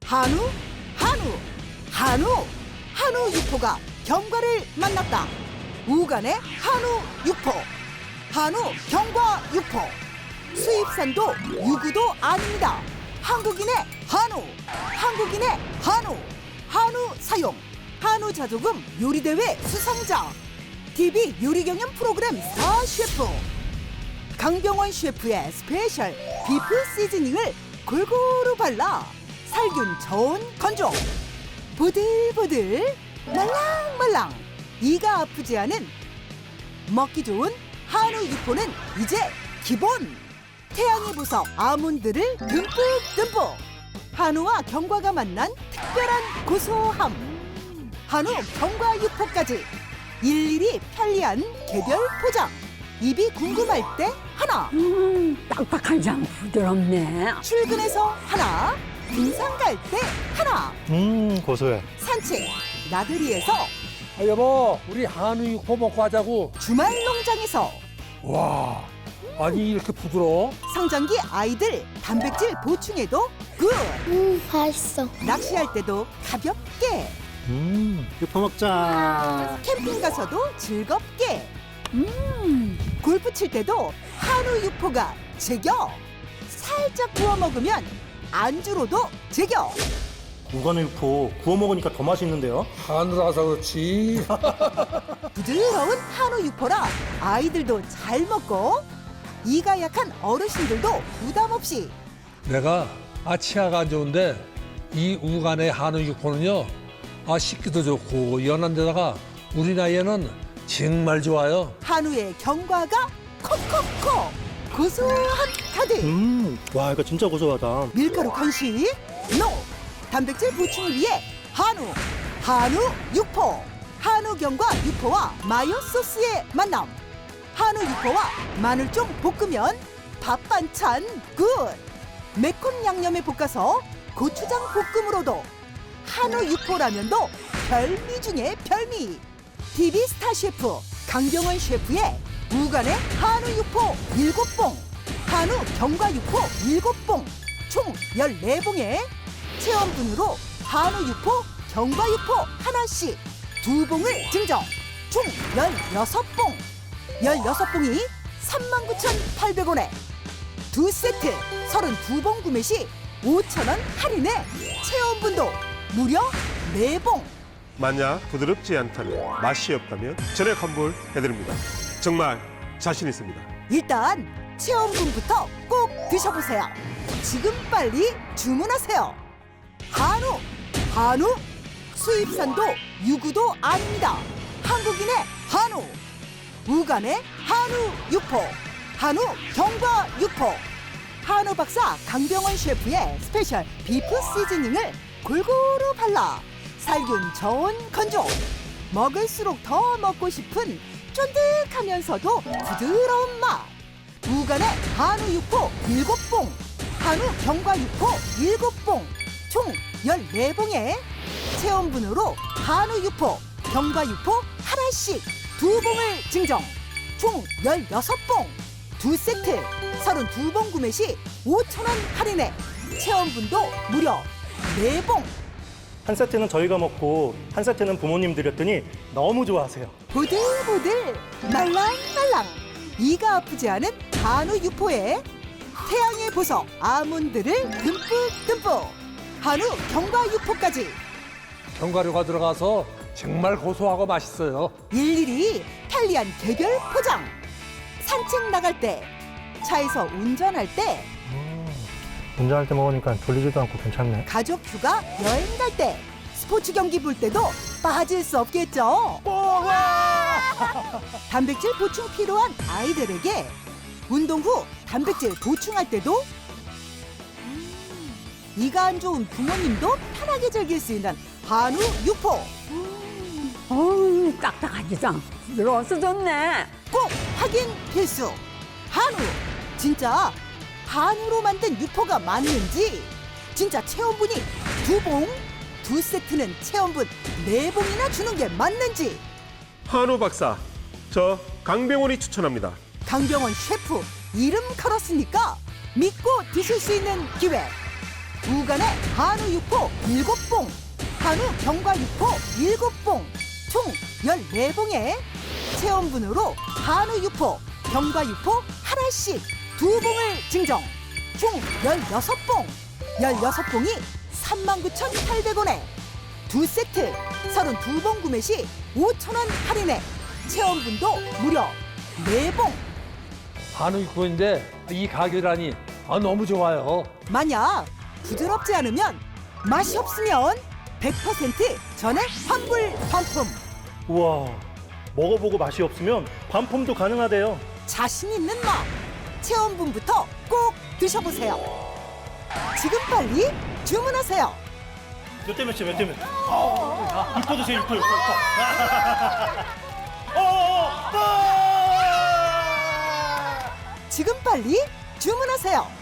한우, 한우, 한우, 한우 육포가 경과를 만났다. 우간의 한우 육포, 한우 경과 육포. 수입산도 유구도 아닙니다. 한국인의 한우, 한국인의 한우, 한우 사용, 한우 자조금 요리대회 수상자, TV 요리 경연 프로그램 스타 셰프. 강병원 셰프의 스페셜 비프 시즈닝을 골고루 발라 살균 저온 건조. 보들보들 말랑말랑 이가 아프지 않은 먹기 좋은 한우 육포는 이제 기본. 태양의 보석 아몬드를 듬뿍듬뿍. 한우와 경과가 만난 특별한 고소함. 한우 경과 육포까지 일일이 편리한 개별 포장. 입이 궁금할 때 하나, 딱딱한 장 부드럽네. 출근해서 하나, 등산 갈 때 하나, 고소해. 산책 나들이에서, 여보, 우리 한우 육포 먹고 하자고. 주말 농장에서, 와, 아니 이렇게 부드러워? 성장기 아이들 단백질 보충에도 굿. 맛있어. 낚시할 때도 가볍게, 육포 먹자. 캠핑 가서도 즐겁게, 골프 칠 때도 한우 육포가 제격. 살짝 구워 먹으면 안주로도 제격. 우간의 육포 구워 먹으니까 더 맛있는데요? 한우라서 그렇지. 부드러운 한우 육포라 아이들도 잘 먹고 이가 약한 어르신들도 부담 없이. 내가 치아가 안 좋은데 이 우간의 한우 육포는요, 씹기도 좋고 연한 데다가 우리 나이에는 정말 좋아요. 한우의 경과가 콕콕콕 고소한 가득. 와, 이거 진짜 고소하다. 밀가루 간식 노. 단백질 보충을 위해 한우 육포. 한우 경과 육포와 마요 소스의 만남. 한우 육포와 마늘종 볶으면 밥 반찬 굿. 매콤 양념에 볶아서 고추장 볶음으로도 한우 육포라면도 별미 중에 별미. TV 스타 셰프 강병원 셰프의 우간의 한우 육포 7봉, 한우 경과 육포 7봉, 총 14봉에 체험분으로 한우 육포, 경과 육포 하나씩 2봉을 증정, 총 16봉. 16봉이 39,800원에 2세트 32봉 구매 시 5,000원 할인에 체험분도 무려 4봉. 만약 부드럽지 않다면, 맛이 없다면 전액 환불 해드립니다. 정말 자신 있습니다. 일단 체험분부터 꼭 드셔보세요. 지금 빨리 주문하세요. 한우 수입산도 유구도 아닙니다. 한국인의 한우, 우간의 한우 육포, 한우 경과 육포. 한우 박사 강병원 셰프의 스페셜 비프 시즈닝을 골고루 발라 살균 저온 건조. 먹을수록 더 먹고 싶은 쫀득하면서도 부드러운 맛. 우간의 한우 육포 7봉, 한우 경과 육포 7봉, 총 14봉에 체험분으로 한우 육포, 경과 육포 하나씩 2봉을 증정, 총 16봉, 2세트 32봉 구매 시 5,000원 할인에 체험분도 무려 4봉. 한 세트는 저희가 먹고 한 세트는 부모님 드렸더니 너무 좋아하세요. 보들보들 말랑말랑 이가 아프지 않은 한우 육포에 태양의 보석 아몬드를 듬뿍듬뿍. 한우 경과 육포까지 견과류가 들어가서 정말 고소하고 맛있어요. 일일이 편리한 개별 포장. 산책 나갈 때, 차에서 운전할 때, 운전할 때 먹으니까 졸리지도 않고 괜찮네. 가족 휴가 여행 갈 때, 스포츠 경기 볼 때도 빠질 수 없겠죠. 단백질 보충 필요한 아이들에게 운동 후 단백질 보충할 때도 이가 안 좋은 부모님도 편하게 즐길 수 있는 한우 육포. 어우, 딱딱하지 장 부드러워서 좋네. 꼭 확인 필수. 한우 진짜 한우로 만든 육포가 맞는지, 진짜 체험분이 2봉, 2세트는 체험분 4봉이나 주는 게 맞는지. 한우 박사, 저 강병원이 추천합니다. 강병원 셰프 이름 걸었으니까 믿고 드실 수 있는 기회. 우간의 한우 육포 7봉, 한우 경과 육포 7봉, 총 14봉에 체험분으로 한우 육포, 경과 육포 하나씩 2봉을 증정. 총 16봉, 16봉이 39,800원에 2세트 32봉 구매 시 5,000원 할인에 체험분도 무려 4봉. 한우 육포인데 이 가격이라니 너무 좋아요. 만약 부드럽지 않으면, 맛이 없으면 100% 전액 환불 반품. 우와, 먹어보고 맛이 없으면 반품도 가능하대요. 자신 있는 맛, 체험분부터 꼭 드셔보세요. 지금 빨리 주문하세요. 몇 대 몇이야, 몇 대 몇? 육포 드세요, 육포. 지금 빨리 주문하세요.